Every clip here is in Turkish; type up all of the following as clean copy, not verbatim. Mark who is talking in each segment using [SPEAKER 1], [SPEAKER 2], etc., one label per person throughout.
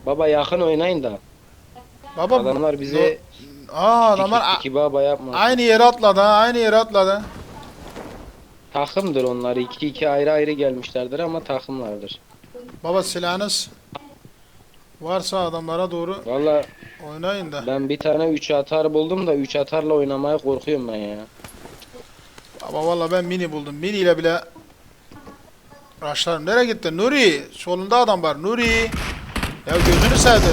[SPEAKER 1] Baba yakın oynayın da.
[SPEAKER 2] Baba
[SPEAKER 1] Adamlar bize
[SPEAKER 2] adamlar
[SPEAKER 1] iki baba yapmaz.
[SPEAKER 2] aynı yere atladı ha, aynı yere atladı.
[SPEAKER 1] Takımdır onlar. İki iki ayrı ayrı gelmişlerdir ama takımlardır.
[SPEAKER 2] Baba silahınız varsa adamlara doğru
[SPEAKER 1] Valla
[SPEAKER 2] oynayın da.
[SPEAKER 1] ben bir tane 3 atar buldum da 3 atarla oynamaya korkuyorum ben ya.
[SPEAKER 2] Baba valla ben mini buldum. Mini ile bile rushlarım. Nereye gitti? Nuri! Solunda adam var. Nuri! Ya gözünü sevdim.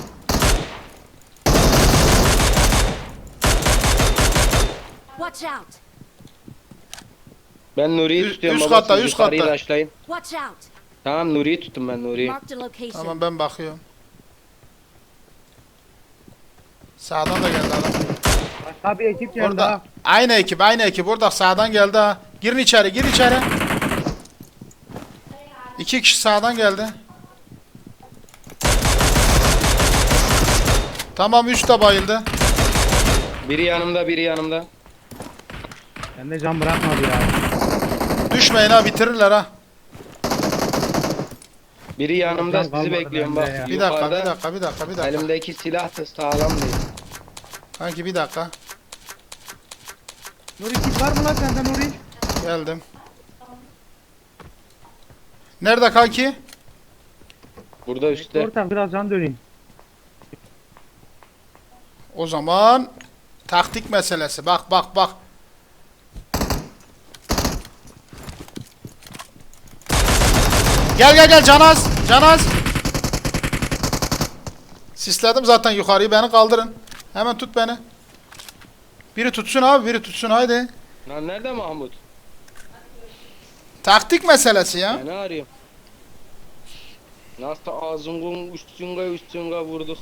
[SPEAKER 3] Watch out!
[SPEAKER 1] Ben Nuri'yi
[SPEAKER 2] Üst-
[SPEAKER 1] tutuyorum
[SPEAKER 2] üst
[SPEAKER 1] baba,
[SPEAKER 2] katta,
[SPEAKER 1] siz
[SPEAKER 2] üst
[SPEAKER 1] yukarıyı
[SPEAKER 2] katta.
[SPEAKER 1] raşlayın.
[SPEAKER 3] Watch out!
[SPEAKER 1] Tamam Nuri'yi tuttum ben Nuri'yi.
[SPEAKER 3] Marked a location.
[SPEAKER 2] Tamam ben bakıyorum. Sağdan da geldi adam.
[SPEAKER 4] Başka bir ekip geldi
[SPEAKER 2] Orada.
[SPEAKER 4] ha.
[SPEAKER 2] Aynı ekip, aynı ekip. Orada sağdan geldi ha. Girin içeri, gir içeri. İki kişi sağdan geldi. Tamam, üç de bayıldı.
[SPEAKER 1] Biri yanımda, biri yanımda.
[SPEAKER 4] Bende can bırakmadı ya.
[SPEAKER 2] Düşmeyin ha, bitirirler ha.
[SPEAKER 1] Biri yanımda,
[SPEAKER 4] Can kalmadı
[SPEAKER 1] sizi bekliyorum
[SPEAKER 4] bende
[SPEAKER 1] bak.
[SPEAKER 4] ya.
[SPEAKER 2] Bir dakika, bir
[SPEAKER 1] Yukarıda
[SPEAKER 2] dakika, bir dakika, bir dakika.
[SPEAKER 1] elimdeki silah da sağlam değil.
[SPEAKER 2] Kanki bir dakika.
[SPEAKER 4] Nuri kit var mı lan sende Nuri?
[SPEAKER 2] Geldim. Nerede kanki?
[SPEAKER 1] Burada üstte.
[SPEAKER 4] Ortam biraz can döneyim.
[SPEAKER 2] O zaman taktik meselesi. Bak bak bak. Gel gel gel Canaz. Canaz. Sisledim zaten yukarıyı, beni kaldırın. Hemen tut beni. Biri tutsun abi, biri tutsun haydi.
[SPEAKER 1] Lan nerede Mahmut?
[SPEAKER 2] Taktik meselesi ya.
[SPEAKER 1] Ben ne arıyorum? Nasıl ağzının üstünga vurduk.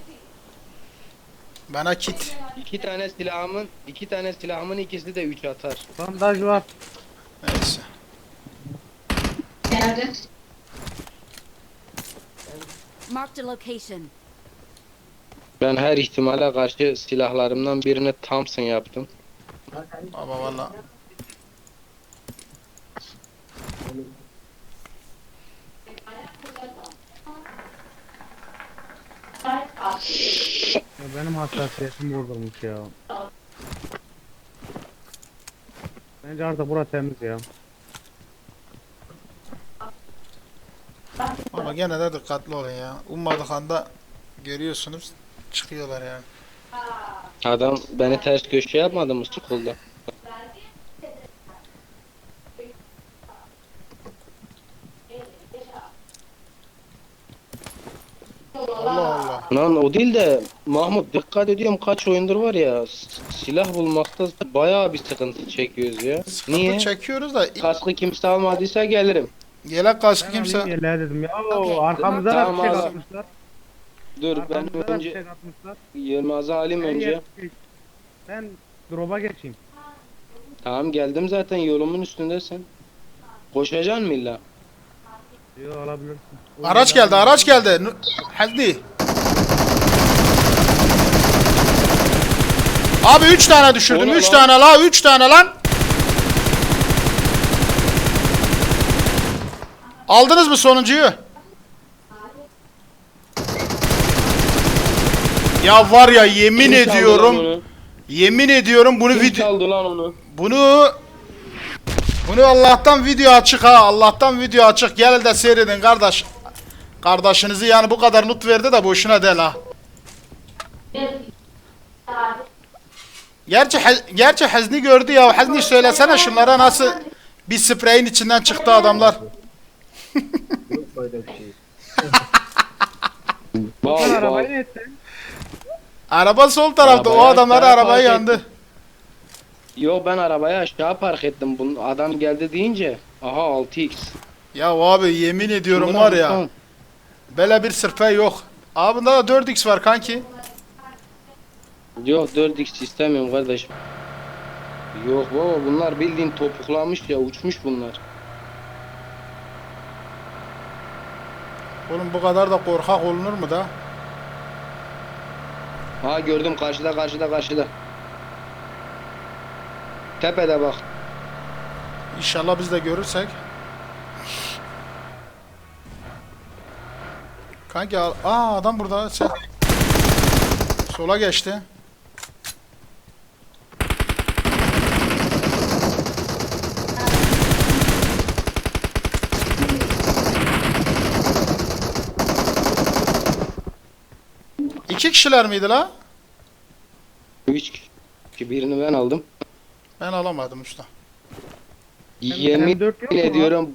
[SPEAKER 2] Bana kit.
[SPEAKER 1] İki tane silahımın ikisi de 3 atar.
[SPEAKER 4] Bandaj var.
[SPEAKER 2] Neyse.
[SPEAKER 3] Marked a location.
[SPEAKER 1] Ben her ihtimale karşı silahlarımdan birini Thompson yaptım.
[SPEAKER 2] Baba valla.
[SPEAKER 4] Ya benim hassasiyetim bozulmuş ya. Bence artık burası temiz ya.
[SPEAKER 2] Ama gene de dikkatli olun ya. Ummadık anda görüyorsunuz çıkıyorlar yani.
[SPEAKER 1] Adam beni ters köşe yapmadı mı sıkıldı?
[SPEAKER 2] Allah Allah.
[SPEAKER 1] Lan o değil de Mahmut dikkat ediyorum kaç oyundur var ya silah bulmakta bayağı bir sıkıntı çekiyoruz ya.
[SPEAKER 2] Sıkıntı
[SPEAKER 1] Niye?
[SPEAKER 2] çekiyoruz da
[SPEAKER 1] Kaskı kimse almadıysa gelirim.
[SPEAKER 2] yelek kaskı
[SPEAKER 4] Ben
[SPEAKER 2] kimse.
[SPEAKER 4] alayım yerlere dedim ya.
[SPEAKER 3] Okey.
[SPEAKER 4] Oo, arkamıza da
[SPEAKER 1] Tamam,
[SPEAKER 4] fişek
[SPEAKER 1] al.
[SPEAKER 4] atmışlar.
[SPEAKER 1] Dur ben
[SPEAKER 4] Arkamıza da
[SPEAKER 1] önce
[SPEAKER 4] fişek atmışlar.
[SPEAKER 1] Yılmaz'ı alayım
[SPEAKER 4] Ben
[SPEAKER 1] önce.
[SPEAKER 4] Ben drop'a geçeyim.
[SPEAKER 1] Tamam geldim zaten yolumun üstündesin. Koşacaksın mı illa?
[SPEAKER 4] Yo alabilirsin.
[SPEAKER 2] Araç geldi, araç geldi. Hadi. Abi 3 tane düşürdüm.
[SPEAKER 1] O ne
[SPEAKER 2] 3
[SPEAKER 1] lan?
[SPEAKER 2] tane la, 3 tane lan. Aldınız mı sonuncuyu? Ya var ya, yemin
[SPEAKER 1] Kim çaldı lan
[SPEAKER 2] ediyorum.
[SPEAKER 1] onu?
[SPEAKER 2] Yemin ediyorum bunu
[SPEAKER 1] Kim
[SPEAKER 2] video
[SPEAKER 1] çaldı lan onu?
[SPEAKER 2] bunu Allah'tan video açık ha. Allah'tan video açık. Gel de seyredin kardeş. Kardeşinizi yani bu kadar nut verdi de boşuna değil ha. Gerçi Hazni gördü ya. Hazni söylesene şunlara nasıl bir spreyin içinden çıktı adamlar.
[SPEAKER 4] Sen
[SPEAKER 1] Bal
[SPEAKER 4] arabayı
[SPEAKER 1] bal.
[SPEAKER 4] ne ettin?
[SPEAKER 2] Araba sol tarafta. O
[SPEAKER 1] Arabaya
[SPEAKER 2] adamlar
[SPEAKER 1] aşağı
[SPEAKER 2] arabayı
[SPEAKER 1] park
[SPEAKER 2] yandı.
[SPEAKER 1] ettim. Yo ben arabayı aşağı park ettim. Bunun adam geldi deyince. Aha 6x.
[SPEAKER 2] Ya abi yemin ediyorum
[SPEAKER 1] Buna
[SPEAKER 2] var ya.
[SPEAKER 1] baksana.
[SPEAKER 2] Böyle bir sırfe yok. Abi bunda da 4x var kanki.
[SPEAKER 1] Yok 4x istemiyorum kardeşim. Yok baba bunlar bildiğin topuklamış ya uçmuş bunlar.
[SPEAKER 2] Oğlum bu kadar da korkak olunur mu da?
[SPEAKER 1] Ha gördüm karşıda. Tepede bak.
[SPEAKER 2] İnşallah biz de görürsek. Kanki adam burada. Sen. Sola geçti. İki kişiler miydi la?
[SPEAKER 1] 3 kişi, birini ben aldım.
[SPEAKER 2] Ben alamadım usta.
[SPEAKER 1] Yemin
[SPEAKER 4] M4 yok mu lan?
[SPEAKER 1] ediyorum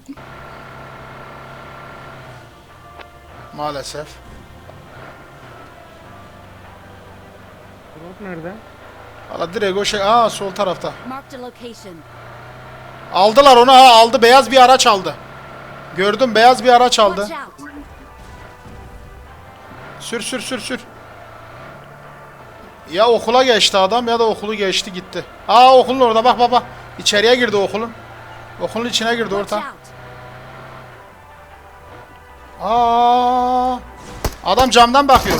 [SPEAKER 2] Maalesef.
[SPEAKER 4] Drop nerede?
[SPEAKER 2] Valla direkt o şey. Sol tarafta.
[SPEAKER 3] Marked a location.
[SPEAKER 2] Aldılar onu aldı. Beyaz bir araç aldı. Gördüm beyaz bir araç aldı.
[SPEAKER 3] Watch out.
[SPEAKER 2] Sür. Ya okula geçti adam ya da okulu geçti gitti. Okulun orada bak baba. İçeriye girdi okulun. Okulun içine girdi
[SPEAKER 3] Watch
[SPEAKER 2] orta.
[SPEAKER 3] out.
[SPEAKER 2] Adam camdan bakıyor.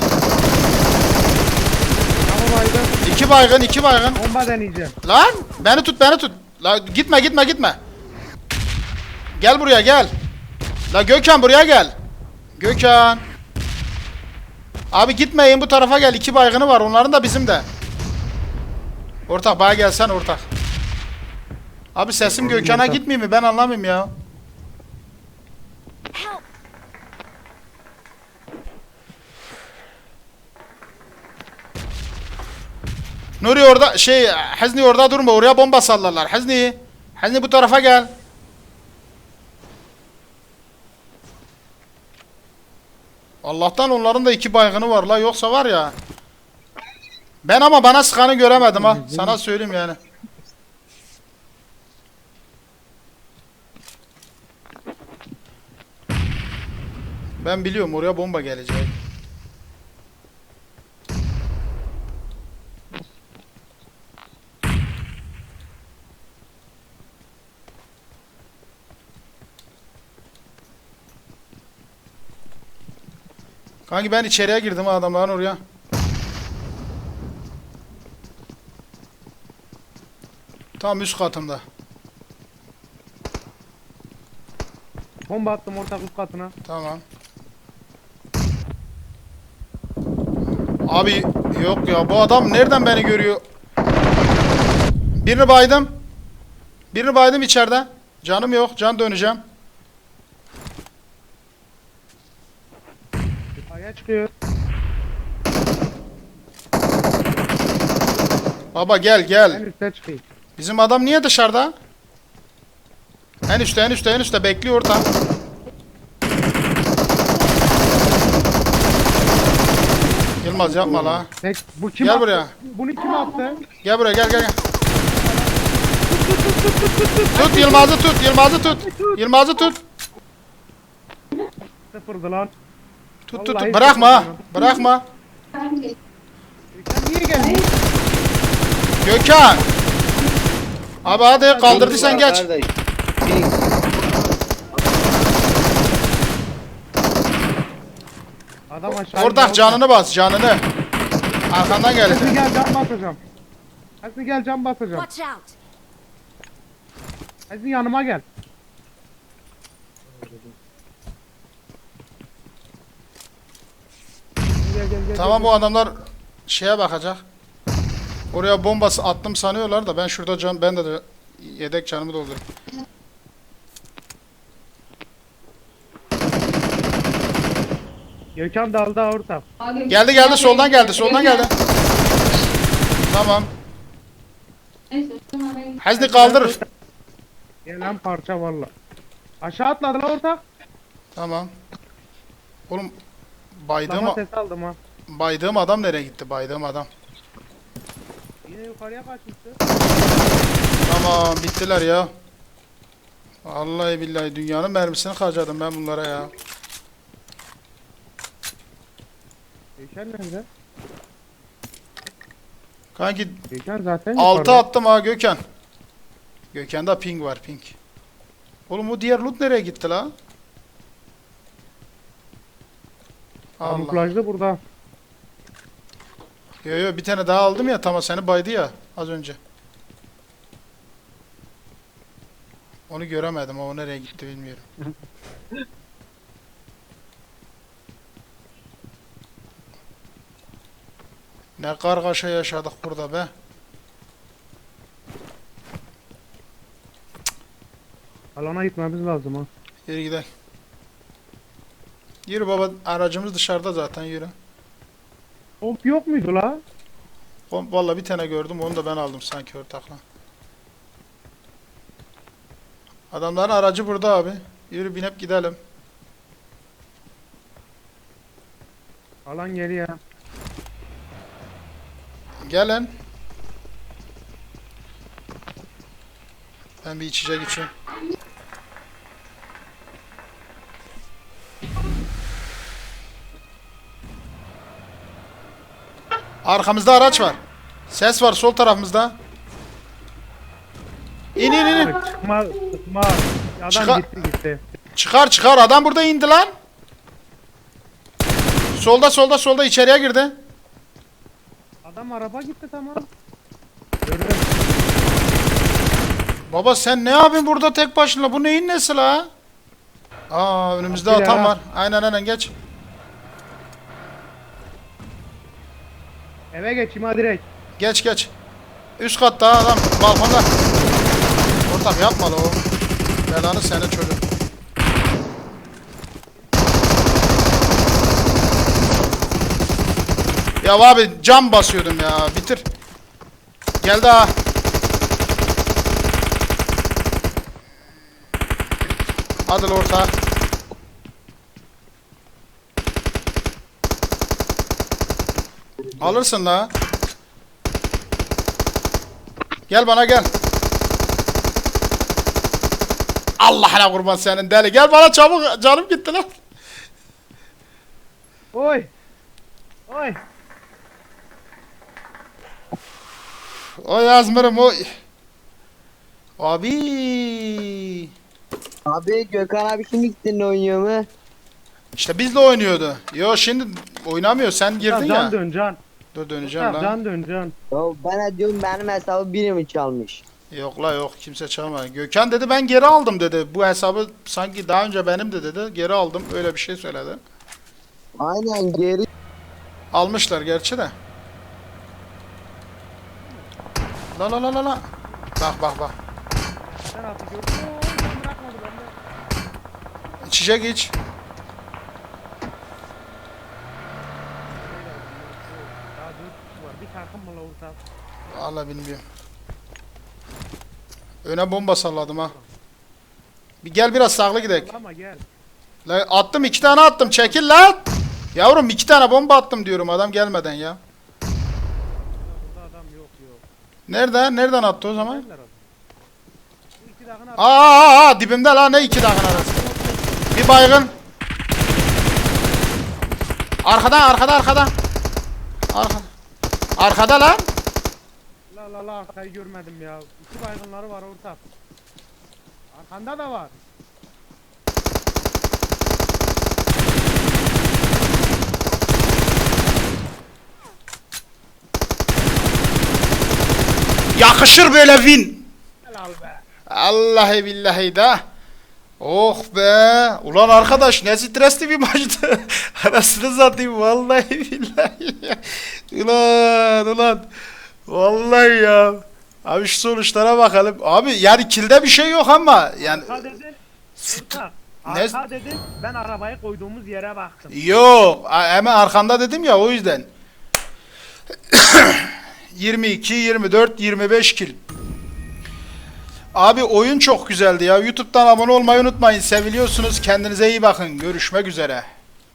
[SPEAKER 4] Tamam aydın.
[SPEAKER 2] İki baygın.
[SPEAKER 4] Bomba deneyeceğim.
[SPEAKER 2] Lan beni tut. La gitme. Gel buraya gel. La Gökhan buraya gel. Gökhan. Abi gitmeyin bu tarafa gel. 2 baygını var. Onların da bizim de. Ortak bana gelsen ortak. Abi sesim Gökhan'a gitmiyor mu? Ben anlamıyorum ya.
[SPEAKER 3] Help.
[SPEAKER 2] Nuri orada Hazni orada durma. Oraya bomba sallarlar. Hazni bu tarafa gel. Allah'tan onların da 2 baygını var la. Yoksa var ya. Ben ama bana sıkanı göremedim ha. Sana söyleyeyim yani. Ben biliyorum oraya bomba gelecek. Kanki ben içeriye girdim adamların oraya. Tam üst katımda.
[SPEAKER 4] Bomba attım ortak üst katına.
[SPEAKER 2] Tamam. Abi yok ya bu adam nereden beni görüyor? Birini baydım içeride. Canım yok. Can döneceğim.
[SPEAKER 4] Yukarıya çıkıyor.
[SPEAKER 2] Baba gel
[SPEAKER 4] Ben
[SPEAKER 2] gel.
[SPEAKER 4] üstte çıkayım.
[SPEAKER 2] Bizim adam niye dışarıda? En üstte bekliyor orada. Yılmaz yapma la.
[SPEAKER 4] Bu kim
[SPEAKER 2] Gel
[SPEAKER 4] attı?
[SPEAKER 2] buraya.
[SPEAKER 4] Bunu kim attı?
[SPEAKER 2] Gel buraya gel. Tut Yılmaz'ı tut.
[SPEAKER 4] Sıfırdı lan.
[SPEAKER 2] Tut.
[SPEAKER 4] Vallahi
[SPEAKER 2] Bırakma.
[SPEAKER 4] Sen niye geldin?
[SPEAKER 2] Gökhan. Abi hadi kaldırdıysan geç.
[SPEAKER 1] kardeş.
[SPEAKER 4] Adam aşağı.
[SPEAKER 2] Ortak canını bas canını. Arkandan
[SPEAKER 4] Hadi
[SPEAKER 2] gelecek.
[SPEAKER 4] gel cam basacağım. Hadi gel cam basacağım.
[SPEAKER 3] Watch out.
[SPEAKER 4] Hadi yanıma gel. Gel.
[SPEAKER 2] Tamam bu adamlar şeye bakacak. Oraya bombası attım sanıyorlar da ben şurada ben de yedek canımı doldurayım.
[SPEAKER 4] Gökhan dalda ortak.
[SPEAKER 2] Geldi soldan geldi. Tamam. Hazni kaldır.
[SPEAKER 4] Gelen parça valla. Aşağı atladı lan ortak.
[SPEAKER 2] Tamam. Oğlum
[SPEAKER 4] Sama ses aldım ha.
[SPEAKER 2] baydığım adam nereye gitti? Baydığım adam.
[SPEAKER 4] Yine yukarıya kaçmıştı.
[SPEAKER 2] Tamam bittiler ya. Vallahi billahi dünyanın mermisini harcadım ben bunlara ya.
[SPEAKER 4] Gökhan nerede?
[SPEAKER 2] Kanki
[SPEAKER 4] Gökhan zaten
[SPEAKER 2] 6
[SPEAKER 4] yukarıda.
[SPEAKER 2] attım ha Gökhan. Gökhan'da ping var ping. Oğlum bu diğer loot nereye gitti la? Allah.
[SPEAKER 4] Kamuflajlı burada.
[SPEAKER 2] Yo bir tane daha aldım ya tamam seni baydı ya az önce. Onu göremedim o nereye gitti bilmiyorum. Ne kargaşa yaşadık burada be.
[SPEAKER 4] Alana gitmemiz lazım ha.
[SPEAKER 2] Yürü gidelim. Yürü baba, aracımız dışarıda zaten, yürü.
[SPEAKER 4] Komp yok muydu la?
[SPEAKER 2] Vallahi bir tane gördüm, onu da ben aldım sanki ortakla. Adamların aracı burada abi. Yürü binip gidelim.
[SPEAKER 4] Alan geliyor.
[SPEAKER 2] Gelin. Ben bir içecek içeyim. Arkamızda araç var. Ses var sol tarafımızda. İn in in.
[SPEAKER 4] Sıkma sıkma. Adam
[SPEAKER 2] Çıkar.
[SPEAKER 4] gitti.
[SPEAKER 2] Çıkar çıkar, adam burada indi lan. Solda içeriye girdi.
[SPEAKER 4] Adam araba gitti tamam. Gördüm.
[SPEAKER 2] Baba sen ne yapıyorsun burada tek başına? Bu neyin nesi la? Aa, önümüzde
[SPEAKER 4] Kapı
[SPEAKER 2] atan
[SPEAKER 4] ya.
[SPEAKER 2] var. Aynen geç.
[SPEAKER 4] Eve geçeyim ha direkt.
[SPEAKER 2] Geç. Üst katta adam balkonda. Ortak yapma la o. Belanı senin çocuk. Ya abi cam basıyordum ya. Bitir. Geldi ha. Hadi la orta. Alırsın la. Gel bana gel. Allah'ına kurban senin deli. Gel bana çabuk, canım gitti lan.
[SPEAKER 4] Oy. Oy.
[SPEAKER 2] Oy Azmir'im oy. Abi.
[SPEAKER 5] Abi Gökhan abi şimdi gittin oynuyor mu?
[SPEAKER 2] İşte bizle oynuyordu. Yo şimdi oynamıyor. Sen girdin
[SPEAKER 4] Can
[SPEAKER 2] ya.
[SPEAKER 4] dön can.
[SPEAKER 2] Dur döneceğim lan.
[SPEAKER 4] Can dön can.
[SPEAKER 5] Ya bana diyorum benim hesabı biri mi çalmış?
[SPEAKER 2] Yok la yok, kimse çalmadı. Gökhan dedi ben geri aldım dedi. Bu hesabı sanki daha önce benim de dedi. Geri aldım, öyle bir şey söyledi.
[SPEAKER 5] Aynen geri.
[SPEAKER 2] Almışlar gerçi de. La. Bak.
[SPEAKER 4] Sen atı gördün mü? Oy, ben bırakmadı bende.
[SPEAKER 2] İçecek iç.
[SPEAKER 4] Daha 4 kişi var. Bir takım mı la orta?
[SPEAKER 2] Allah bilmiyorum. Öne bomba salladım ha. Bir gel biraz sağlı gidelim.
[SPEAKER 4] Ama gel.
[SPEAKER 2] La attım, 2 tane attım, çekil lan. Yavrum 2 tane bomba attım diyorum adam gelmeden ya.
[SPEAKER 4] Burada adam yok.
[SPEAKER 2] Nereden attı o zaman?
[SPEAKER 4] Neredeler adam? Bu iki dakika
[SPEAKER 2] Aa dibimde lan, ne 2 dakika arası. Bir baygın. Arkada. Arkada lan.
[SPEAKER 4] La arkayı görmedim ya. İki baygınları var orta. Arkanda da var.
[SPEAKER 2] Yakışır böyle win.
[SPEAKER 4] Helal be.
[SPEAKER 2] Allahi billahi da. Oh be. Ulan arkadaş ne stresli bir maçtı. Arasını satayım vallahi billahi. Ulan. Vallahi ya. Abi şu sonuçlara bakalım. Abi yani kilde bir şey yok ama yani
[SPEAKER 4] Arka dedin. Orta.
[SPEAKER 2] Ne-
[SPEAKER 4] Arka dedin. Ben arabayı koyduğumuz yere baktım.
[SPEAKER 2] yok. Hemen arkanda dedim ya, o yüzden. 22, 24, 25 kill. Abi oyun çok güzeldi ya. YouTube'dan abone olmayı unutmayın. Seviliyorsunuz. Kendinize iyi bakın. Görüşmek üzere.